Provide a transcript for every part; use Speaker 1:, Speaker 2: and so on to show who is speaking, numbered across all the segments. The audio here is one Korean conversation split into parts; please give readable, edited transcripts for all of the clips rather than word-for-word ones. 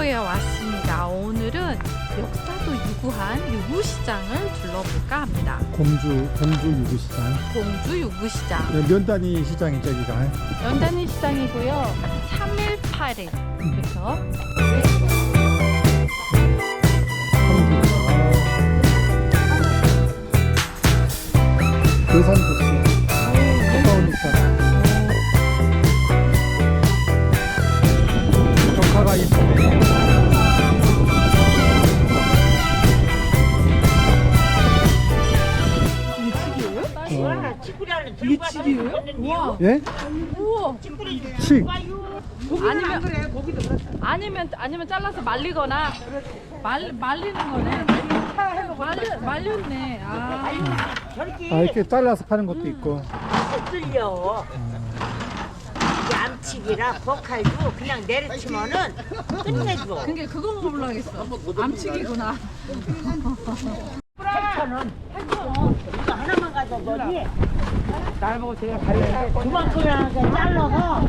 Speaker 1: 광주에 왔습니다. 오늘은 역사도 유구한 유구시장을 둘러볼까 합니다.
Speaker 2: 공주 유구시장.
Speaker 1: 공주 유구시장.
Speaker 2: 네, 면단위 시장이죠, 여기가.
Speaker 1: 연단위 시장이고요. 3일 8일. 그래서
Speaker 2: 괴산 도시. 가까우니까. 벽화가 이쁘네.
Speaker 1: 리치기예요? 우와.
Speaker 2: 예?
Speaker 1: 우와.
Speaker 2: 칡.
Speaker 1: 아니면 잘라서 말리거나 말리는 거네. 말렸네. 아.
Speaker 2: 이렇게 잘라서 파는 것도 있고.
Speaker 3: 뚫려. 이게 암치기라 버칼도 그냥 내려치면은 끝내줘.
Speaker 1: 그게 그거 먹으려고 했어. 암치기구나.
Speaker 3: 8,000원. 8,000원. 이거 하나만 가져보니. 날 보고 제가 갈래. 그만큼이나 잘라서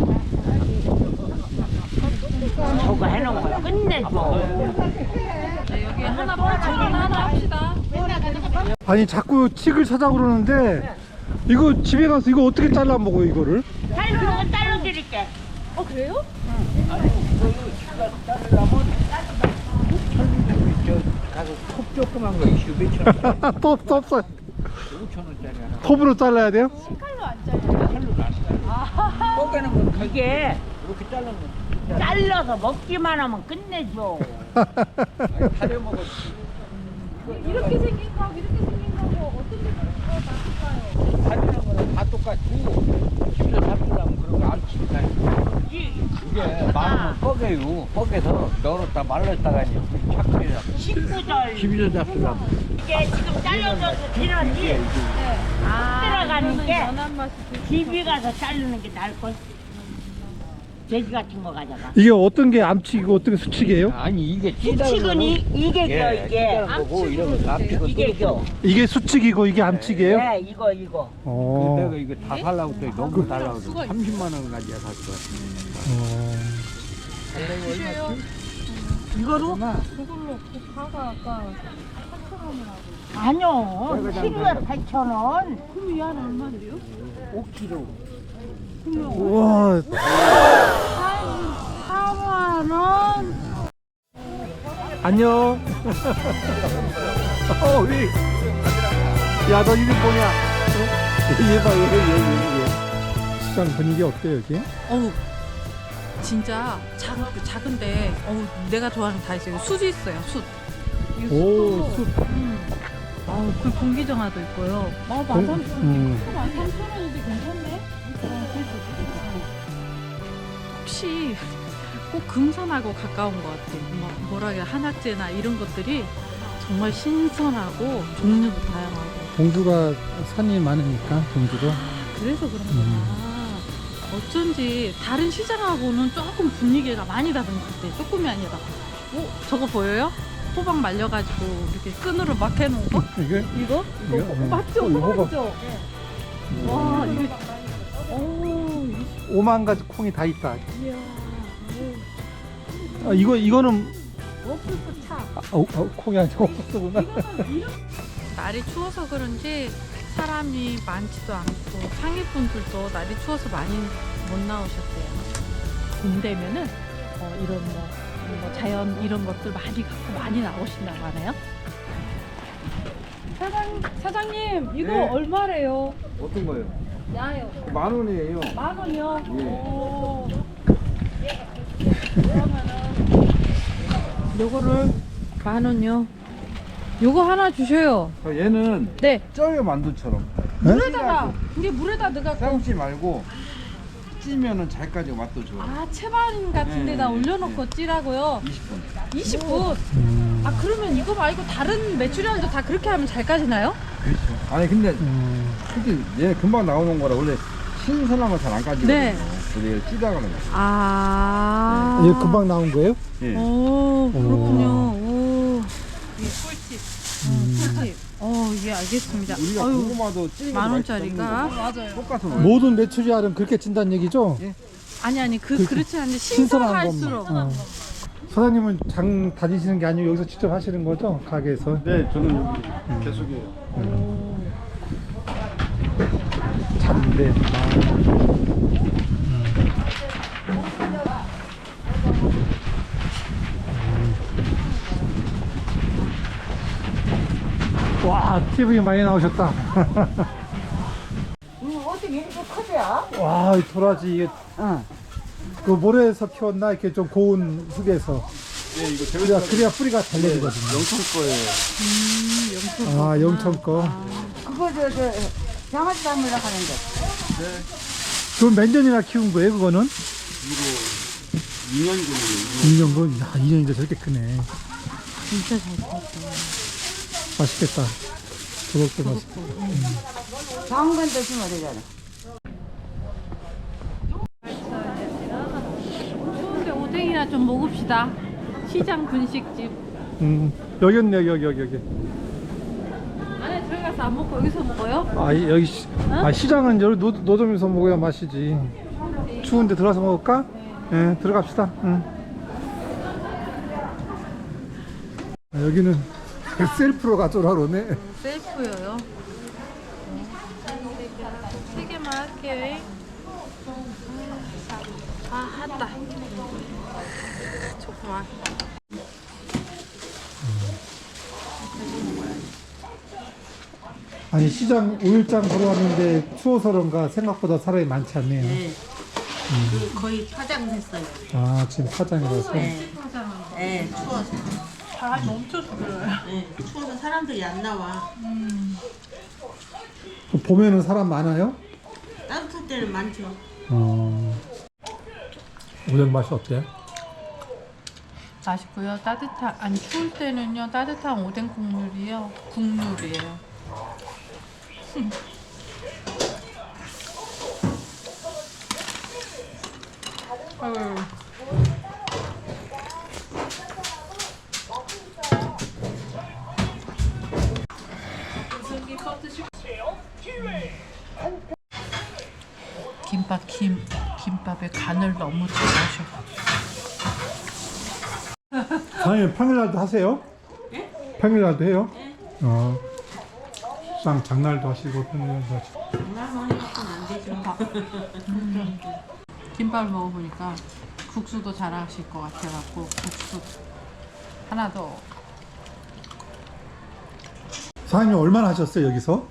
Speaker 3: 저거 해놓은 거야. 끝내줘.
Speaker 1: 네, 여기 하나 8,000원 하나 합시다.
Speaker 2: 아니 자꾸 칡을 사자 그러는데 이거 집에 가서 이거 어떻게 잘라 먹어 이거를?
Speaker 3: 자르는 건 잘라드릴게.
Speaker 1: 그래요?
Speaker 4: 가서 톱 조그만 거 있슈 몇천 원.
Speaker 2: 톱 없어.
Speaker 4: 5,000원짜리 하나.
Speaker 2: 톱으로 잘라야 돼요?
Speaker 1: 칼로 안 잘라요?
Speaker 4: 뽀개는 건
Speaker 3: 이게
Speaker 4: 이렇게 자르는 거.
Speaker 3: 잘라서 먹기만 하면 끝내줘.
Speaker 4: 다려 먹어.
Speaker 1: 이렇게 생긴 거하고 이렇게 생긴 거하고 어떤 게 더 나을까요?
Speaker 4: 다리는 거는 다 똑같고 집에서 잡수려면 그런 거 안 치니까. 이게 마음은 뻐개요. 뻐개서 널었다 말렸다가 착하게
Speaker 3: 식구들
Speaker 4: 집에서 잡수려면.
Speaker 3: 이게 지금 잘라져서 지났지? 들어가는 게
Speaker 1: 연한 맛이
Speaker 3: 집에 가서 자르는 게 나을걸? 돼지 같은 거 가져가.
Speaker 2: 이게 어떤 게 암칙이고 어떤 게 수칙이에요?
Speaker 4: 아니 이게
Speaker 3: 수칙은 이게 겨 이게
Speaker 4: 거고 이런 거 앞치고
Speaker 3: 이게 겨.
Speaker 2: 이게 수칙이고 이게 암칙이에요?
Speaker 3: 네 이거.
Speaker 4: 내가 이거 다 살라고 또 너무 달라고 해서 30만 원까지 샀어.
Speaker 1: 주세요.
Speaker 3: 이거로?
Speaker 1: 그걸로 가가 아까 8,000원이라고.
Speaker 3: 아니요. 키로에 8,000원.
Speaker 1: 그럼 이 안에 얼마인데요?
Speaker 3: 5kg.
Speaker 2: 우와.
Speaker 1: 4만원.
Speaker 2: 안녕. 우리. 야, 너 이름 뭐냐? 얘 봐, 얘. 시장 분위기 어때요, 여기?
Speaker 1: 어우, 진짜 작은데, 어우, 내가 좋아하는 거 다 있어요. 숯이 있어요, 숯. 이거
Speaker 2: 오,
Speaker 1: 숯도,
Speaker 2: 숯.
Speaker 1: 아우, 그 공기정화도 있고요. 13,000원인데 괜찮네? 혹시 꼭 금산하고 가까운 것 같아요. 뭐라 해야 한약재나 이런 것들이 정말 신선하고 종류도 다양하고.
Speaker 2: 공주가 산이 많으니까, 공주도.
Speaker 1: 그래서 그런구나. 어쩐지 다른 시장하고는 조금 분위기가 많이 다른 것 같아요. 조금이 아니라. 저거 보여요? 호박 말려가지고 이렇게 끈으로 막 해놓은 거?
Speaker 2: 이게?
Speaker 1: 이거? 맞죠? 호박이죠? 와, 이게. 오,
Speaker 2: 5만 가지 콩이 다 있다.
Speaker 1: 이야.
Speaker 2: 이거는
Speaker 1: 워프스 차.
Speaker 2: 콩이 아니고 옥수수구나.
Speaker 1: 날이 추워서 그런지 사람이 많지도 않고 상위분들도 날이 추워서 많이 못 나오셨대요. 봄 되면은 이런 자연 이런 것들 많이 갖고 많이 나오신다고 하네요. 사장님 이거
Speaker 4: 네.
Speaker 1: 얼마래요?
Speaker 4: 어떤 거요?
Speaker 1: 야요.
Speaker 4: 10,000원이에요.
Speaker 1: 10,000원이요?
Speaker 4: 예.
Speaker 1: 오. 그러면은 요거를 10,000원요. 요거 하나 주셔요.
Speaker 4: 얘는
Speaker 1: 네.
Speaker 4: 쪄요 만두처럼.
Speaker 1: 물에다가 이게 물에다 넣어갖고
Speaker 4: 삶지 말고 찌면은 잘까지 맛도 좋아.
Speaker 1: 채반 같은 데다
Speaker 4: 네,
Speaker 1: 올려놓고 찌라고요.
Speaker 4: 20분.
Speaker 1: 20분. 그러면 이거 말고 다른 메추리알도 다 그렇게 하면 잘 까지나요?
Speaker 4: 그렇죠. 아니 근데 솔직히 얘 금방 나오는 거라 원래 신선한 거 잘 안 까지거든요.
Speaker 1: 네.
Speaker 4: 그래서 얘를 찌다가 넣어요.
Speaker 2: 이게 금방 나온 거예요?
Speaker 4: 예.
Speaker 1: 오, 그렇군요. 오. 이게 꿀팁. 꿀팁. 예, 알겠습니다.
Speaker 4: 우리가
Speaker 1: 아유,
Speaker 4: 고구마도 찌는 거
Speaker 1: 10,000원짜리가.
Speaker 4: 맞아요. 똑같은 거예요.
Speaker 2: 모든 메추리알은 그렇게 찐다는 얘기죠?
Speaker 1: 아니, 그렇지 않은데
Speaker 2: 신선한
Speaker 1: 신선할수록.
Speaker 2: 것만. 사장님은 장 다니시는 게 아니고 여기서 직접 하시는 거죠? 가게에서?
Speaker 5: 네, 저는 여기 계속해요.
Speaker 2: 잔대. 와, TV 많이 나오셨다.
Speaker 3: 어떻게 이렇게 커져요?
Speaker 2: 와, 이 도라지 이게
Speaker 3: 응.
Speaker 2: 그 모래에서 키웠나 이렇게 좀 고운 흙에서.
Speaker 5: 네, 이거
Speaker 2: 그래야 뿌리가 달려지거든요.
Speaker 5: 영천 거예요.
Speaker 2: 아, 영천 거.
Speaker 3: 그거 장아찌 담으려고 하는데.
Speaker 2: 그럼 몇 년이나 키운 거예요, 그거는?
Speaker 5: 이거 2년 전에
Speaker 2: 2년 건? 야, 2년인데 저렇게 크네.
Speaker 1: 진짜 잘 컸어.
Speaker 2: 맛있겠다. 그것도 맛있겠다.
Speaker 3: 당근 드시면 되잖아.
Speaker 1: 추운데 오뎅이나 좀 먹읍시다. 시장 분식집.
Speaker 2: 여기.
Speaker 1: 안에 들어가서 안 먹고 여기서 먹어요?
Speaker 2: 아, 여기 시장은 여기 노점에서 먹어야 맛이지. 추운데 들어가서 먹을까? 네, 들어갑시다. 여기는 셀프로 가져오라 그러네.
Speaker 1: 셀프요요. 세 개만 할게요. 했다. 조금만.
Speaker 2: 아니, 시장 5일장 보러 왔는데 추워서 그런가 생각보다 사람이 많지 않네요.
Speaker 3: 네. 거의 파장됐어요.
Speaker 2: 아, 지금 파장이라서.
Speaker 3: 네. 네, 추워서.
Speaker 1: 바람이 엄청 불어요.
Speaker 3: 네, 추워서 사람들이 안 나와.
Speaker 2: 봄에는 사람 많아요?
Speaker 3: 따뜻할 때는 많죠.
Speaker 2: 오뎅 맛이 어때요?
Speaker 1: 맛있고요. 안 추울 때는요. 따뜻한 오뎅 국물이요. 국물이에요. 아유. 김밥에 간을 너무 잘하셔.
Speaker 2: 사장님 평일날도 하세요?
Speaker 3: 네?
Speaker 2: 평일날도 해요?
Speaker 3: 네.
Speaker 2: 시장 장날도 하시고 평일날도 하시고.
Speaker 3: 장난만 해갖고는 안 되죠.
Speaker 1: 김밥을 먹어보니까 국수도 잘하실 것 같아갖고 국수 하나 더.
Speaker 2: 사장님 얼마나 하셨어요 여기서?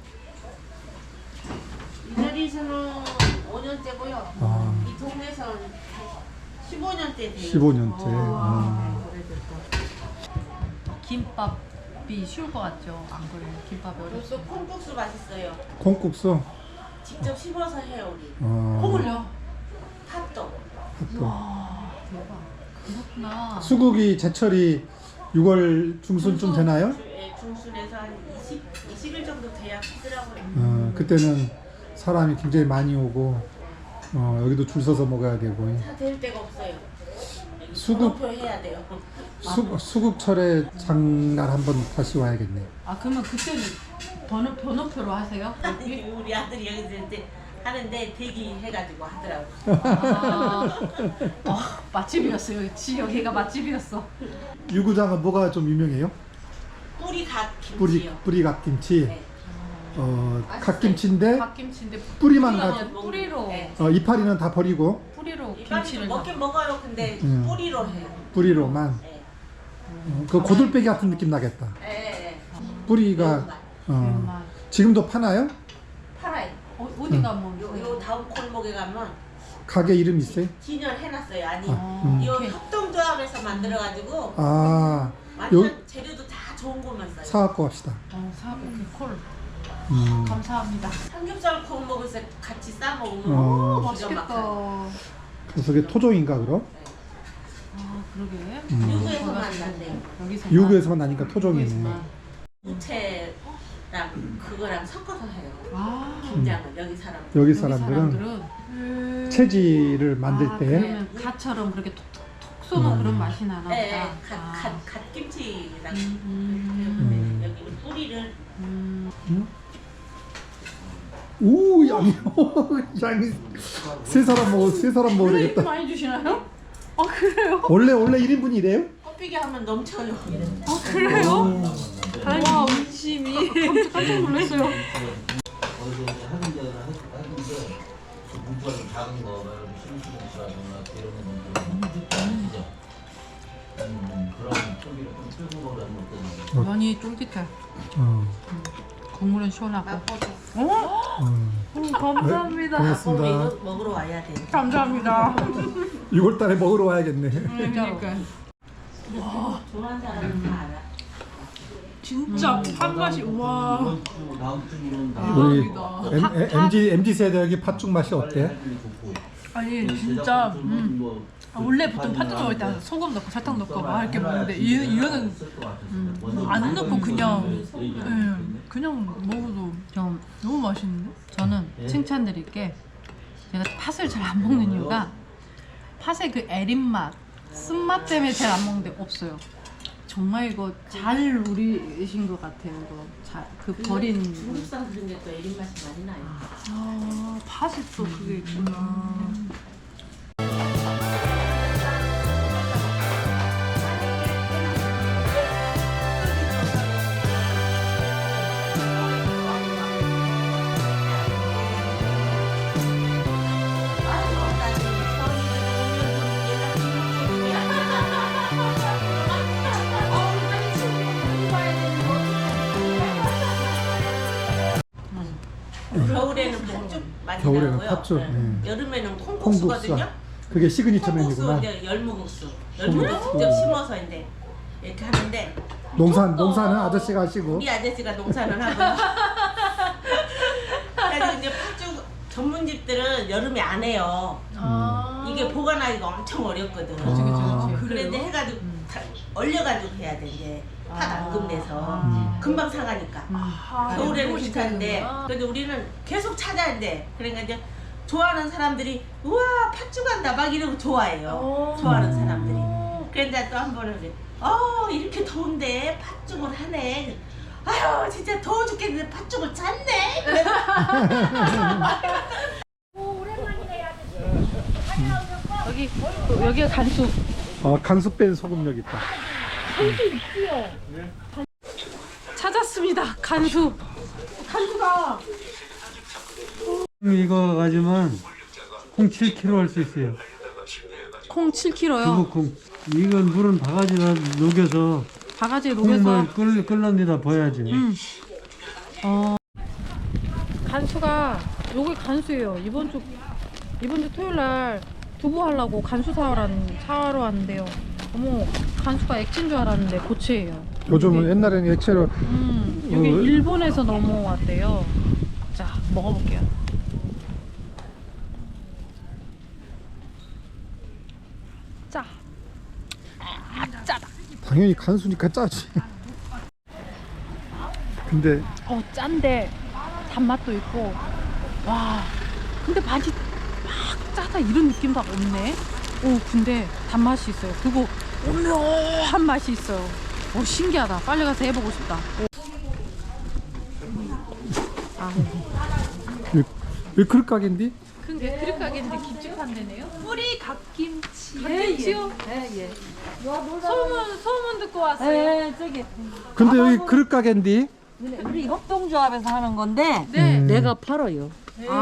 Speaker 3: 이 자리에서는 5년째고요.
Speaker 2: 아.
Speaker 3: 이 동네에서는 15년째 돼요.
Speaker 2: 15년째.
Speaker 1: 김밥이 쉬울 것 같죠? 안 그래요? 김밥이 어렵죠?
Speaker 3: 또 콩국수 맛있어요.
Speaker 2: 콩국수.
Speaker 3: 직접 씹어서 해요 우리.
Speaker 1: 콩을요?
Speaker 3: 팥도.
Speaker 1: 와 대박. 그렇구나.
Speaker 2: 수국이 제철이 6월 중순쯤 되나요?
Speaker 3: 중순에서 한 20일 정도 돼야 하더라고요.
Speaker 2: 그때는 사람이 굉장히 많이 오고 여기도 줄 서서 먹어야 되고.
Speaker 3: 다 될 데가 없어요.
Speaker 2: 수국-
Speaker 3: 번호표 해야 돼요.
Speaker 2: 수국철에 장날 한번 다시 와야겠네.
Speaker 1: 아 그러면 그때는 번호표로 하세요?
Speaker 3: 아니, 우리 아들이 여기서 이제 하는데 대기해가지고 하더라고.
Speaker 1: 맛집이었어요. 여기가 맛집이었어.
Speaker 2: 유구장은 뭐가 좀 유명해요?
Speaker 3: 뿌리 갓김치요.
Speaker 2: 뿌리 갓김치.
Speaker 3: 네.
Speaker 2: 갓김치인데
Speaker 1: 갓김치인데
Speaker 2: 뿌리만
Speaker 1: 뿌리가
Speaker 2: 가.
Speaker 1: 아니라 뿌리로
Speaker 3: 네.
Speaker 2: 이파리는 다 버리고
Speaker 1: 뿌리로
Speaker 3: 이빨이
Speaker 1: 김치를
Speaker 3: 먹긴 먹어요. 근데 뿌리로 해요.
Speaker 2: 뿌리로만.
Speaker 3: 네.
Speaker 2: 그 고들빼기 같은 느낌 나겠다.
Speaker 3: 네.
Speaker 2: 뿌리가
Speaker 1: 매운맛.
Speaker 2: 지금도 파나요?
Speaker 3: 팔아요.
Speaker 1: 어디 가면
Speaker 3: 요 다음 골목에 가면
Speaker 2: 가게 이름 있어요?
Speaker 3: 진열해놨어요. 아니, 요
Speaker 1: 오케이.
Speaker 3: 협동조합에서 만들어가지고
Speaker 2: 아,
Speaker 3: 완전 재료도 다 좋은 것만 써요.
Speaker 2: 사갖고 갑시다.
Speaker 1: 오케이 콜.
Speaker 2: 음.
Speaker 1: 감사합니다.
Speaker 3: 삼겹살 구워 먹을 때 같이 싸 먹으면
Speaker 1: 맛있겠다.
Speaker 2: 그래서 그게 토종인가 그럼?
Speaker 1: 아 그러게.
Speaker 3: 유구에서만 난대요.
Speaker 1: 여기서
Speaker 2: 유구에서만 나니까 토종이네.
Speaker 3: 무채랑 그거랑 섞어서 해요.
Speaker 1: 아
Speaker 3: 김장을 여기 사람.
Speaker 2: 여기
Speaker 1: 여기
Speaker 2: 사람들은 체지를 만들 때
Speaker 1: 그러면 갓처럼 그렇게 톡톡톡 쏘는 그런 맛이 나나 보다.
Speaker 3: 네,
Speaker 1: 아.
Speaker 3: 갓김치랑
Speaker 2: 음.
Speaker 3: 여기는 뿌리를
Speaker 2: 오 양이 양이 세 사람 먹어
Speaker 1: 이렇게
Speaker 2: 되겠다.
Speaker 1: 많이 주시나요? 아 그래요?
Speaker 2: 원래 1인분이래요?
Speaker 3: 삐게 하면 넘쳐요.
Speaker 1: 그래요? 와, 의심이. 깜짝 놀랐어요.
Speaker 6: 어디서 이제 하는 데는 하는데 문구가 좀 작은 거, 심심하거나 이런 거는 좀 그런 소비를 좀 끌고 가는 것들은
Speaker 1: 면이 쫄깃해. 국물은 시원하고. 감사합니다.
Speaker 2: 고맙습니다.
Speaker 3: 이거 먹으러 와야 돼.
Speaker 1: 감사합니다.
Speaker 2: 6월달에 먹으러 와야겠네.
Speaker 1: 그러니까.
Speaker 3: 좋아하는 사람은 다 알아.
Speaker 1: 진짜 한 맛이 와.
Speaker 6: 이번 주 다음 주는 다
Speaker 2: 우리 MZ 세대 여기 팥죽 맛이 어때?
Speaker 1: 아니 진짜 원래 보통 팥죽 먹을 때 소금 넣고 설탕 넣고 막 이렇게 먹는데 이거는 안 넣고 그냥 그냥 먹어도 너무 맛있는데? 저는 칭찬드릴 게 제가 팥을 잘 안 먹는 이유가 팥의 그 애린 맛, 쓴맛 때문에 잘 안 먹는데 없어요. 정말 이거 잘 우리신 것 같아요. 이거 그 버린
Speaker 3: 중국 사람들 중에 또 애린 맛이 많이 나요.
Speaker 1: 팥이 또 그게 있구나.
Speaker 3: 겨울에는 팥죽 많이
Speaker 2: 겨울에는
Speaker 3: 나고요.
Speaker 2: 팥죽,
Speaker 3: 네.
Speaker 2: 네.
Speaker 3: 여름에는
Speaker 2: 콩국수.
Speaker 3: 콩국수거든요.
Speaker 2: 그게 시그니처
Speaker 3: 콩국수
Speaker 2: 메뉴구나.
Speaker 3: 이제 열무국수. 열무를 직접 심어서 이제 이렇게 하는데
Speaker 2: 농사는 아저씨가 하시고.
Speaker 3: 우리 아저씨가 농사를 하고요. 그래서 이제 팥죽 전문집들은 여름에 안 해요. 이게 보관하기가 엄청 어렵거든.
Speaker 1: 그치.
Speaker 3: 그래 이제 해가지고 다 얼려가지고 해야 돼 이제 팥 앙금내서 금방 상하니까. 겨울에는 괜찮은데 그래도 우리는 계속 찾아야 돼. 그러니까 이제 좋아하는 사람들이 우와 팥죽한다 막 이러고 좋아해요. 좋아하는 사람들이. 그런데 또 한 번은 이렇게 더운데 팥죽을 하네. 아유 진짜 더워 죽겠는데 팥죽을 찼네.
Speaker 1: 여기가 간수.
Speaker 2: 간수 뺀 소금 여기 있다.
Speaker 1: 찾았습니다. 간수.
Speaker 7: 이거 가지면 콩 7kg 할 수 있어요.
Speaker 1: 콩 7kg요.
Speaker 7: 두부콩. 이건 물은 바가지에 녹여서
Speaker 1: 바가지에 녹여서.
Speaker 7: 콩을 끓는 데다 버야지.
Speaker 1: 간수가 요게 간수예요. 이번 주 토요일 날 두부 하려고 간수 사러 왔는데요. 어머, 간수가 액체인 줄 알았는데 고체예요.
Speaker 2: 요즘은 옛날에는 액체로
Speaker 1: 여기 일본에서 넘어왔대요. 자, 먹어볼게요. 짜. 짜다.
Speaker 2: 당연히 간수니까 짜지. 근데
Speaker 1: 짠데 단맛도 있고. 와, 근데 많이 막 짜다 이런 느낌도 없네. 근데 단맛이 있어요. 그리고 오묘한 맛이 있어요. 신기하다. 빨리 가서 해보고 싶다.
Speaker 2: 왜 그릇 가게인데?
Speaker 1: 근데 그릇 가게인데 김치판 되네요. 뿌리 갓김치. 갓김치요? 예. 소문 듣고 왔어요.
Speaker 3: 네 저기
Speaker 2: 근데 여기 그릇 가게인데?
Speaker 3: 우리 협동조합에서 하는 건데
Speaker 1: 네.
Speaker 3: 내가 팔아요.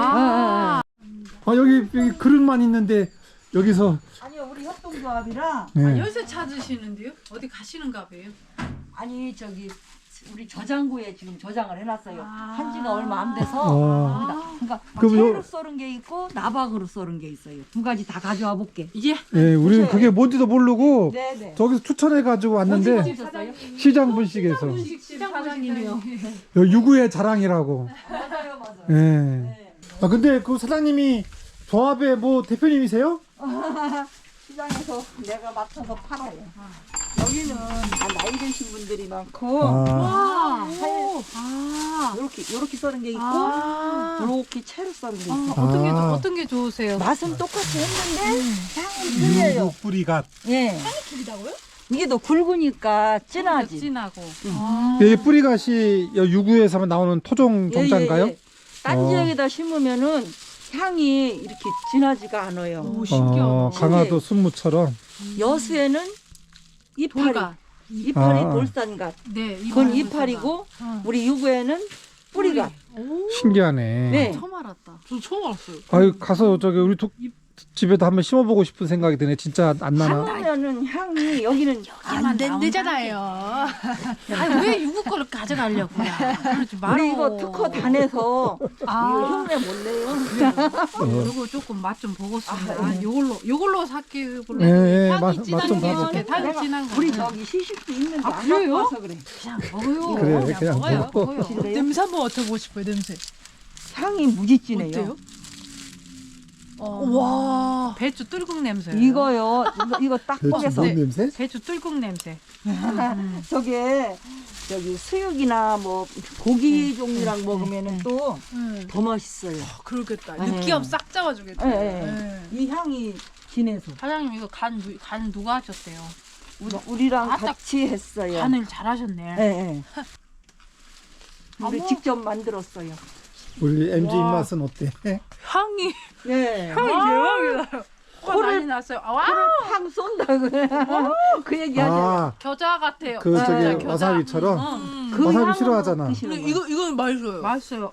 Speaker 2: 여기 그릇만 있는데 여기서
Speaker 8: 아니요, 우리 협동조합이라.
Speaker 2: 네.
Speaker 1: 여기서 찾으시는데요? 어디 가시는가 봐요.
Speaker 8: 아니 저기 우리 저장고에 지금 저장을 해놨어요.
Speaker 1: 아.
Speaker 8: 한지가 얼마 안 돼서. 그러니까
Speaker 2: 그럼
Speaker 8: 채로 썰은 게 있고 나박으로 썰은 게 있어요. 두 가지 다 가져와 볼게.
Speaker 1: 예.
Speaker 2: 네, 우리는 그게 뭔지도 모르고
Speaker 8: 네네.
Speaker 2: 저기서 추천해 가지고 왔는데 시장 분식에서
Speaker 1: 시장 사장님이요.
Speaker 2: 유구의 자랑이라고.
Speaker 8: 맞아요, 맞아요.
Speaker 2: 네. 근데 그 사장님이 조합의 뭐 대표님이세요?
Speaker 8: 시장에서 내가 맡아서 팔아요. 여기는 다 나이 드신 분들이 많고 요렇게 썰은 게 있고 요렇게 채로 썰은 게 있어요.
Speaker 1: 어떤 게 좋으세요?
Speaker 8: 맛은 똑같이 했는데 향은 틀려요.
Speaker 2: 유구 뿌리가.
Speaker 8: 예. 향이 틀리다고요? 이게 더 굵으니까 진하지.
Speaker 1: 진하고.
Speaker 2: 이 뿌리갓이 유구에서만 나오는 토종 종자인가요?
Speaker 8: 딴 지역에다 심으면은 향이 이렇게 진하지가 않아요.
Speaker 1: 오, 신기하다.
Speaker 2: 강화도 순무처럼.
Speaker 8: 여수에는 이파리.
Speaker 1: 돌가.
Speaker 8: 이파리
Speaker 2: 아.
Speaker 8: 돌산갓.
Speaker 1: 네,
Speaker 8: 그건 이파리고 우리 유구에는 뿌리갓.
Speaker 2: 신기하네.
Speaker 8: 네.
Speaker 1: 처음 알았다. 저 처음 알았어요.
Speaker 2: 아유 가서 저기 우리 집에도 한번 심어보고 싶은 생각이 드네. 진짜 안 나나?
Speaker 8: 하면은 향이 여기는
Speaker 1: 안 된대잖아요. 아니 왜 유부 거를 가져가려고요? 그러지 말어.
Speaker 8: 우리 이거 특허 다 내서 이거 흉내 못 내요.
Speaker 1: 요거 조금 맛 좀 보겠습니다. 요걸로 삭히고
Speaker 2: 네,
Speaker 1: 향이
Speaker 2: 맛
Speaker 1: 진한
Speaker 2: 좀
Speaker 1: 게
Speaker 2: 봐봐.
Speaker 1: 이렇게 향이 진한 거.
Speaker 8: 우리 저기 시식도 있는데
Speaker 1: 아,
Speaker 8: 안
Speaker 1: 그래요?
Speaker 8: 갖고 와서 그래.
Speaker 1: 그냥 먹어요.
Speaker 2: 그래, 그냥
Speaker 1: 먹어요.
Speaker 2: 먹어.
Speaker 1: 먹어요.
Speaker 9: 냄새 한번 맡아보고 싶어요, 냄새.
Speaker 8: 향이 무지진해요.
Speaker 9: 어때요? 와.
Speaker 1: 배추 뚫국 냄새.
Speaker 8: 이거요. 이거 딱
Speaker 2: 배추
Speaker 8: 꺼내서
Speaker 2: 뭔 냄새?
Speaker 1: 배추 뚫국 냄새.
Speaker 8: 저게 저기 수육이나 뭐 고기 종류랑 먹으면은 또 더 맛있어요.
Speaker 9: 그러겠다.
Speaker 8: 네.
Speaker 9: 느끼함 싹 잡아주겠다.
Speaker 8: 예, 예.
Speaker 9: 네.
Speaker 8: 이 향이 진해서
Speaker 1: 사장님 이거 간 누가 하셨대요?
Speaker 8: 우리랑
Speaker 1: 아, 딱
Speaker 8: 같이 했어요.
Speaker 1: 간을 잘하셨네.
Speaker 8: 예, 예. 우리 직접 만들었어요.
Speaker 2: 우리 MG 입맛은 어때?
Speaker 9: 향이
Speaker 8: 예.
Speaker 1: 대박이다. 코를 난리 났어요. 아, 와!
Speaker 8: 팡 쏜다고 그 얘기 하잖아요.
Speaker 2: 아,
Speaker 1: 겨자 같아요.
Speaker 2: 그 저기
Speaker 1: 겨자.
Speaker 2: 와사비처럼.
Speaker 8: 그
Speaker 2: 와사비
Speaker 8: 향으로
Speaker 2: 싫어하잖아.
Speaker 8: 드시는
Speaker 9: 근데
Speaker 8: 거예요.
Speaker 9: 이건 맛있어요.
Speaker 1: 맛있어요.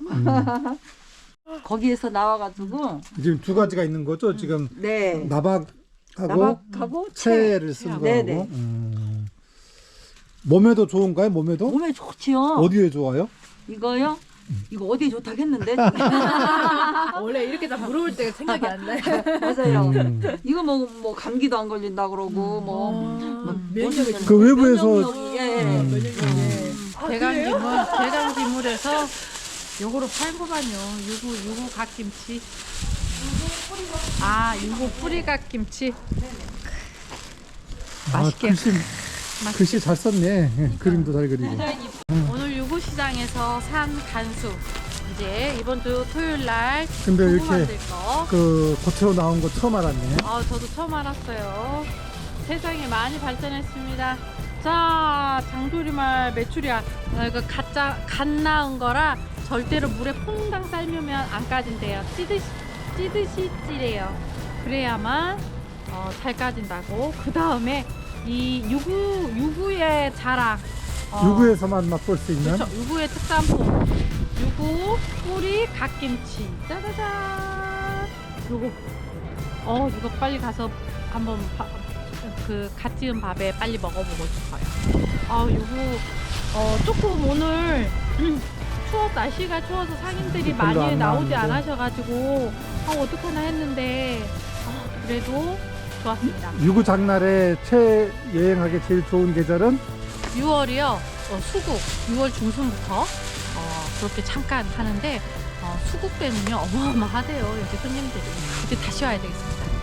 Speaker 8: 거기에서 나와가지고
Speaker 2: 지금 두 가지가 있는 거죠? 지금
Speaker 8: 네
Speaker 2: 나박하고
Speaker 8: 나박하고
Speaker 2: 채를 쓴 거하고.
Speaker 8: 네네.
Speaker 2: 몸에도 좋은가요? 몸에도?
Speaker 8: 몸에 좋지요.
Speaker 2: 어디에 좋아요?
Speaker 8: 이거요? 이거 어디 좋다겠는데?
Speaker 9: 원래 이렇게 다 물어볼 때가 생각이 안 나요.
Speaker 8: 맞아요.
Speaker 2: 음.
Speaker 8: 이거 먹으면 뭐 감기도 안 걸린다 그러고 뭐
Speaker 9: 면역이
Speaker 8: 무슨
Speaker 2: 그 외부에서
Speaker 8: 면역력이, 예.
Speaker 1: 대강기물에서 요거로 팔고만요. 유구 갓김치. 아, 유구 뿌리 갓김치. 맛있게.
Speaker 2: 글씨 잘 썼네. 그림도 잘 그리고.
Speaker 1: 오늘 유구시장에서 산 간수. 이제 이번 주 토요일 날
Speaker 2: 근데
Speaker 1: 두부
Speaker 2: 이렇게
Speaker 1: 만들 거.
Speaker 2: 그 고체로 나온 거 처음 알았네.
Speaker 1: 저도 처음 알았어요. 세상이 많이 발전했습니다. 자, 장조림알 메추리알. 이거 갓 나은 거라 절대로 물에 퐁당 삶으면 안 까진대요. 찌듯이 찌래요. 그래야만 잘 까진다고. 그 다음에 이 유구의 자랑.
Speaker 2: 유구에서만 맛볼 수 있는.
Speaker 1: 그렇죠. 유구의 특산품. 유구 뿌리 갓김치. 짜자잔. 이거 빨리 가서 한번 갓 지은 밥에 빨리 먹어보고 싶어요. 유구 조금 오늘 날씨가 추워서 상인들이
Speaker 2: 별로
Speaker 1: 많이
Speaker 2: 안
Speaker 1: 나오지
Speaker 2: 나왔는데.
Speaker 1: 않으셔가지고 어떡하나 했는데 그래도 좋았습니다.
Speaker 2: 유구 장날에 여행하기 제일 좋은 계절은
Speaker 1: 6월이요. 수국 6월 중순부터 그렇게 잠깐 하는데 수국 때는요 어마어마하대요. 여기 손님들이. 그때 다시 와야 되겠습니다.